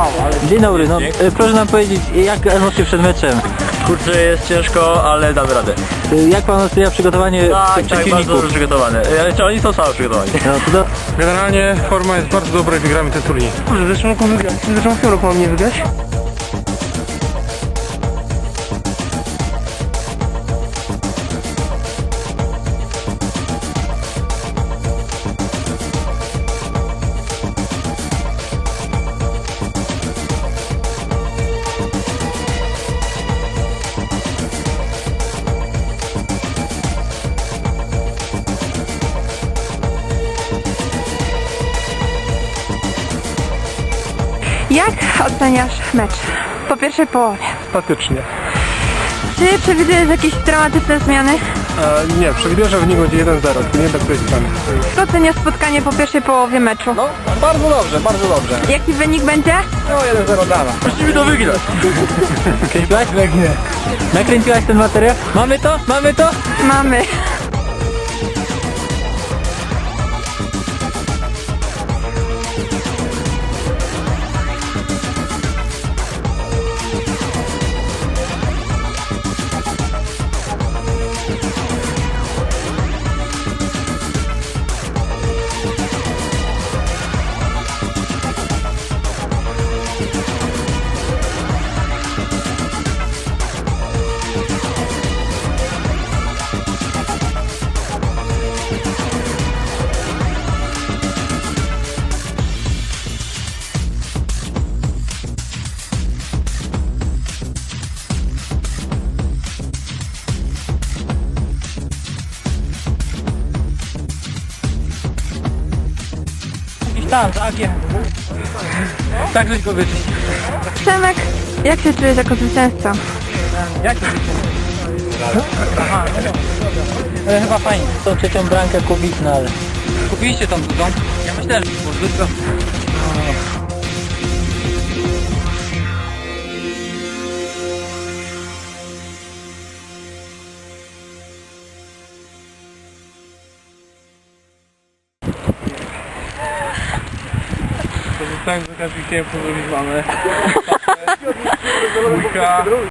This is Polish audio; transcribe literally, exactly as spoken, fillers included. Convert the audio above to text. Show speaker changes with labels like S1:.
S1: Dzień dobry, no e, proszę nam powiedzieć, jak emocje przed meczem?
S2: Kurczę, jest ciężko, ale damy radę.
S1: E, Jak pan ocenia przygotowanie
S2: Tak, tak, bardzo
S1: przeciwników?
S2: dobrze przygotowany. Ale czy oni są sami przygotowani?
S1: No, to do...
S3: Generalnie forma jest bardzo dobra i wygramy ten turniej.
S4: Może w zeszłym roku wygrać. W zeszłym w tym roku mam nie wygrać?
S5: Jak oceniasz mecz po pierwszej połowie?
S3: Statycznie.
S5: Czy przewidujesz jakieś dramatyczne zmiany?
S3: E, nie, przewiduję, że wynik będzie jeden zero, tylko nie będę którejś strony.
S5: Jak oceniasz spotkanie po pierwszej połowie meczu?
S2: No, bardzo dobrze, bardzo dobrze.
S5: Jaki wynik będzie?
S2: No, jeden zero dana. Musimy to wygrać.
S1: Kręciłaś? Nakręciłaś ten materiał? Mamy to? Mamy to?
S5: Mamy.
S1: Tak, tak, ja. Tak żeś powiedzieć.
S5: Przemek, jak się czujesz jako zwycięzca?
S1: Jak to Aha, no dobra. Ale chyba fajnie. Tą trzecią bramkę kubitną, ale... Kupiliście tą drugą? Ja myślałem, że było tylko...
S3: Tak, że każdy chciałem zrobić mamy.